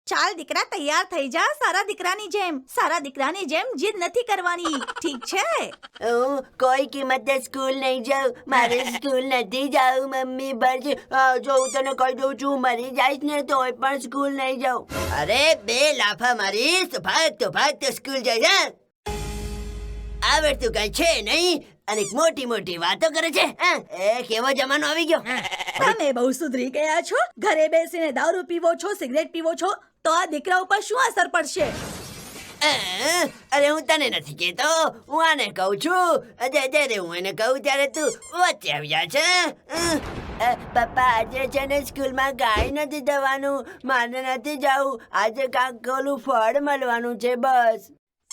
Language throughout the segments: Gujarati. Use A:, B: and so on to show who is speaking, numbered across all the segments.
A: ચાલ દીકરા તૈયાર થઈ જા. સારા દીકરાની જેમ જીદ નથી કરવાની, ઠીક છે?
B: હું કોઈ કિંમતે સ્કૂલ નહીં જાઉં. મારે સ્કૂલ નથી જાવું. મમ્મી બસ જો હું તને કહી દઉં છું, મરી જઈશ ને તોય પણ સ્કૂલ નહીં જાઉં. અરે બે લાફા મારીશ તો ભાગ તો સ્કૂલ જઈશ. આવડતું કઈ છે નહીં અને મોટી મોટી વાતો કરે છે. એ કેવો જમાનો આવી ગયો.
A: તમે બહુ સુધરી ગયા છો. ઘરે બેસીને દારૂ પીવો છો, સિગરેટ પીવો છો, તો આ દીકરા ઉપર શું અસર પડશે?
B: અરે હું તને નથી કહેતો, હું આને કહું છું. જ્યારે હું એને કહું ત્યારે તું વચ્ચે આવી જા છે. પપ્પા આજે છે ને સ્કૂલમાં ગાય નથી થવાનું, મારે નથી જવું. આજે કાંક ઓલું ફળ મળવાનું છે બસ.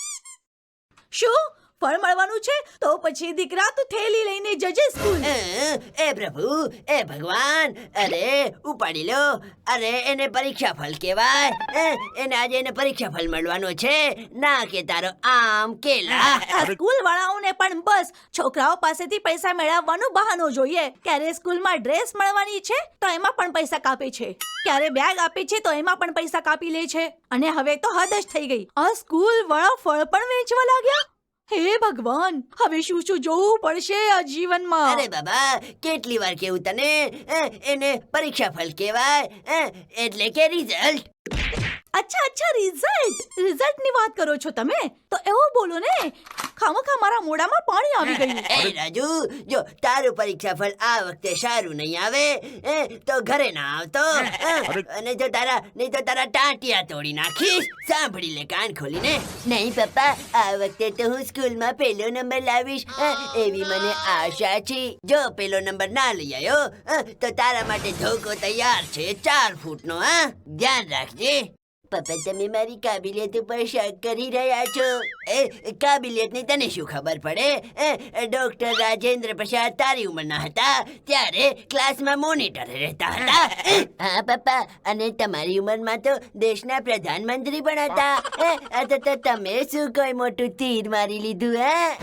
A: શું ફળ મળવાનું છે? તો પછી દીકરા તું થેલી લઈને જજે સ્કૂલ.
B: એ પ્રભુ, એ ભગવાન, અરે ઉપાડી લો. અરે એને પરીક્ષા ફળ કહેવાય. એને પરીક્ષા ફળ મળવાનું છે, ના કે તારો આમ કેલા.
A: સ્કૂલ વાળાઓને પણ બસ છોકરાઓ પાસેથી પૈસા મેળવવાનું બહાનો જોઈએ. ક્યારે સ્કૂલમાં ડ્રેસ મળવાની છે તો એમાં પણ પૈસા કાપે છે, ક્યારે બેગ આપે છે તો એમાં પણ પૈસા કાપી લે છે. અને હવે તો હદ જ થઈ ગઈ. આ સ્કૂલ વાળા ફળ પણ વેચવા લાગ્યા. હે ભગવાન, હવે શું જોવું પડશે આ જીવનમાં.
B: અરે બાબા, કેટલી વાર કેવું તને, એને પરીક્ષા ફળ કહેવાય, એટલે કે રિઝલ્ટ.
A: અચ્છા રિઝલ્ટની વાત કરો છો તમે? તો એવું બોલો ને, ખામખા મારા મોઢામાં પાણી આવી ગયું.
B: એ રાજુ, જો તારું પરીક્ષા ફળ આ વખતે સારું નહીં આવે તો ઘરે ના આવતો. નહીં તો તારા ટાંટિયા તોડી નાખીશ. સાંભળી લે કાન ખોલીને. નહીં પપ્પા, આ વખતે તો હું સ્કૂલમાં પહેલો નંબર લાવીશ, એવી મને આશા છે. જો પહેલો નંબર ના લઈ આવ્યો તો તારા માટે ધોકો તૈયાર છે 4 ફૂટનો. ધ્યાન રાખજે. પપ્પા, તમે મારી કાબિલિયત ઉપર શક કરી રહ્યા છો. કાબિલિયતની તને શું ખબર પડે? ડોક્ટર રાજેન્દ્ર પ્રસાદ તારી ઉંમરના હતા ત્યારે ક્લાસમાં મોનિટર રહેતા હતા. હા પપ્પા, અને તમારી ઉંમરમાં તો દેશના પ્રધાનમંત્રી પણ હતા. તો તમે શું કોઈ મોટું તીર મારી લીધું?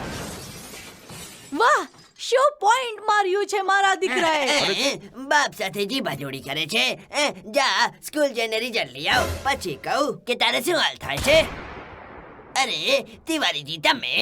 A: વાહ, શું પોઈન્ટ માર્યું છે મારા દીકરાએ.
B: બાપ સાથે જીભાજોડી કરે છે. જા સ્કૂલ જઈને રિઝલ્ટ લઈ આવ, પછી કહું કે તારે શું હાલ થાય છે. અરે તિવારીજી,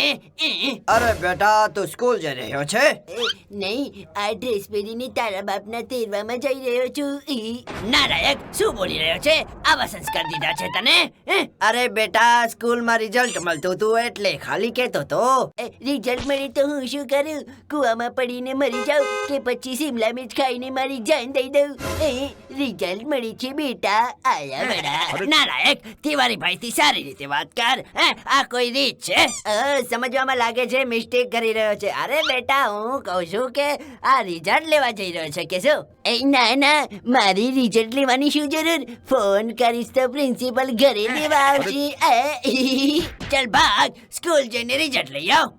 B: તમે
C: અરે બેટા, તું સ્કૂલ જઈ રહ્યો છે?
B: નહીં, આ ડ્રેસ પહેરીને તારા બાપના તેરવામાં જઈ રહ્યો છું. નારાયક, શું બોલી રહ્યો છે? આવા સંસ્કાર દીધા છે તને?
C: અરે બેટા, સ્કૂલમાં રિઝલ્ટ મળતું હતું એટલે ખાલી કહેતો તો.
B: રિઝલ્ટ મળે તો હું શું કરું? કુવામાં પડીને મરી જાઉં કે પછી શિમલા મિર્ચ ખાઈને મારી જાન દઈ દઉં? રિઝલ્ટ મળી છે બેટા, આયા બડા.
C: નારાયક, તિવારી ભાઈથી સારી રીતે વાત કર.
B: આ કોઈ રીત છે? સમજવામાં લાગે છે મિસ્ટેક કરી રહ્યો છે. અરે બેટા, હું કહું છું કે આ રિઝલ્ટ લેવા જઈ રહ્યો છે કે શું? ના, મારી રિઝલ્ટ લેવાની શું જરૂર? ફોન કરીશ તો પ્રિન્સિપલ ઘરે લેવા આવશે.
C: ચલ ભાગ, સ્કૂલ જઈને રિઝલ્ટ લઈ આવ.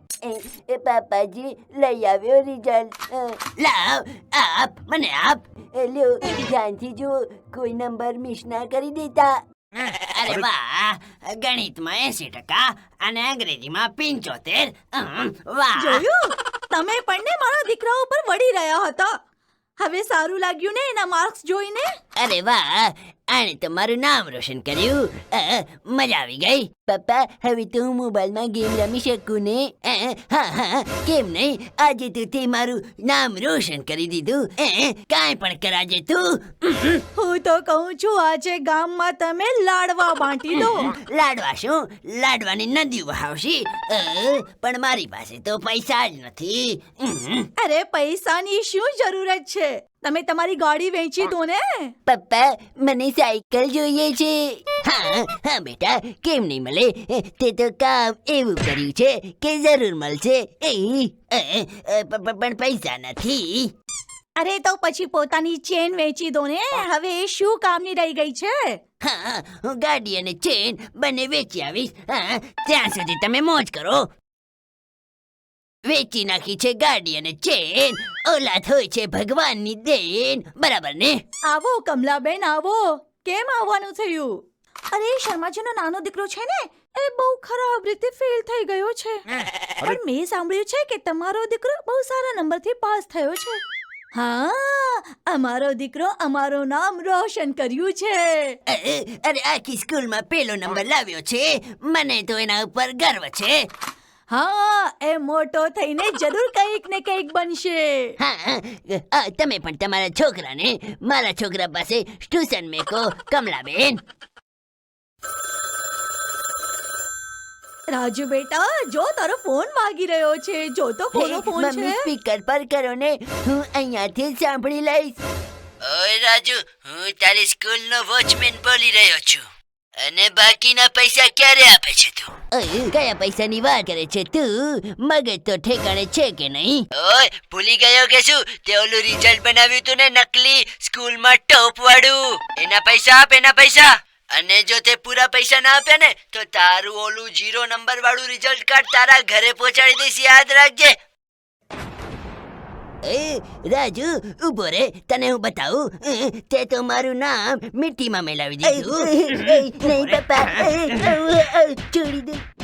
B: પાપાજી, લઈ આવ્યો રિઝલ્ટ.
C: લાવ, મને આપ.
B: લ્યો, ધ્યાનથી જો, કોઈ નંબર મિસ ના કરી દેતા.
C: અરે વાહ, ગણિતમાં 80% અને અંગ્રેજીમાં 75. વાહ.
A: જોયું? તમે પણ ને મારા દીકરા ઉપર વળી રહ્યા હતા. હવે સારું લાગ્યું ને એના માર્ક્સ જોઈને?
B: અરે વાહ, આણે તો મારું નામ રોશન કર્યું. મજા આવી ગઈ. પપ્પા, હવે તો હું મોબાઈલમાં ગેમ રમી શકું ને? હા, કેમ નહીં? આજે તો તે મારું નામ રોશન કરી દીધું. કાંઈ પણ કરાજે તું.
A: હું તો કહું છું, આજે ગામમાં તમે લાડવા બાંટી દો.
B: લાડવા શું? લાડવાની નદી વહાવશી. પણ મારી પાસે તો પૈસા જ નથી.
A: અરે પૈસાની શું જરૂરત છે? તમે તમારી ગાડી વેચી દો ને.
B: પપ્પા, મને સાયકલ જોઈએ છે. હા બેટા, કેમ નહીં મળે? તે તો કામ એવું કર્યું છે કે જરૂર મળશે. પણ પૈસા નથી.
A: અરે તો પછી પોતાની ચેન વેચી દો ને. હવે એ શું કામની રહી ગઈ છે?
B: હા, હું ગાડી અને ચેન બંને વેચી આવીશ. ત્યાં સુધી તમે મોજ કરો. વેચી નાખી છે ગાડી અને ચેન. ઓલાદ હોય છે ભગવાનની દેન, બરાબર ને?
A: આવો કમલાબેન, આવો. કેમ આવવાનું થયું? અરે શર્માજીનો નાનો દીકરો છે ને, એ બહુ ખરાબ રીતે ફેલ થઈ ગયો છે. પણ મેં સાંભળ્યું છે કે તમારો દીકરો બહુ સારા નંબરથી પાસ થયો છે. હા, અમારો દીકરો અમારું નામ રોશન કર્યું છે.
B: અરે આખી સ્કૂલમાં પેલો નંબર લાવ્યો છે. મને તો એના ઉપર ગર્વ છે.
A: હા, એ મોટો થઈને જરૂર કંઈક ને કંઈક બનશે.
B: હા, તમે પણ તમારા છોકરાને મારા છોકરા પાસે ટ્યુશન મેકો, કમલાબેન.
A: રાજુ બેટા, જો તારો ફોન વાગી રહ્યો છે. જો તો કોનો ફોન છે?
B: મમ્મી સ્પીકર પર કરો ને, હું અહીંયાથી જ સાંભળી લઈશ. ઓય રાજુ, હું તારી સ્કૂલનો વોચમેન બોલી રહ્યો છું. અને બાકીના પૈસા ક્યારે આપે છે તું? કયા પૈસાની વાત કરે છે તું? મગજ તો ઠેકાણે છે કે નહીં? ઓય, ભૂલી ગયો કે શું? તે ઓલું રિઝલ્ટ બનાવ્યું તું ને, નકલી સ્કૂલમાં ટોપ વાળું. એના પૈસા આપ, એના પૈસા. અને જો તે પૂરા પૈસા ના આપ્યા ને, તો તારું ઓલું 0 નંબર વાળું રિઝલ્ટ કાર્ડ તારા ઘરે પહોંચાડી દઈશ, યાદ રાખજે. રાજુ, ઉભો રે, તને હું બતાવું. તે તો મારું નામ મીઠીમાં મેલાવી દીધું. નહીં પપ્પા, છોડી દે.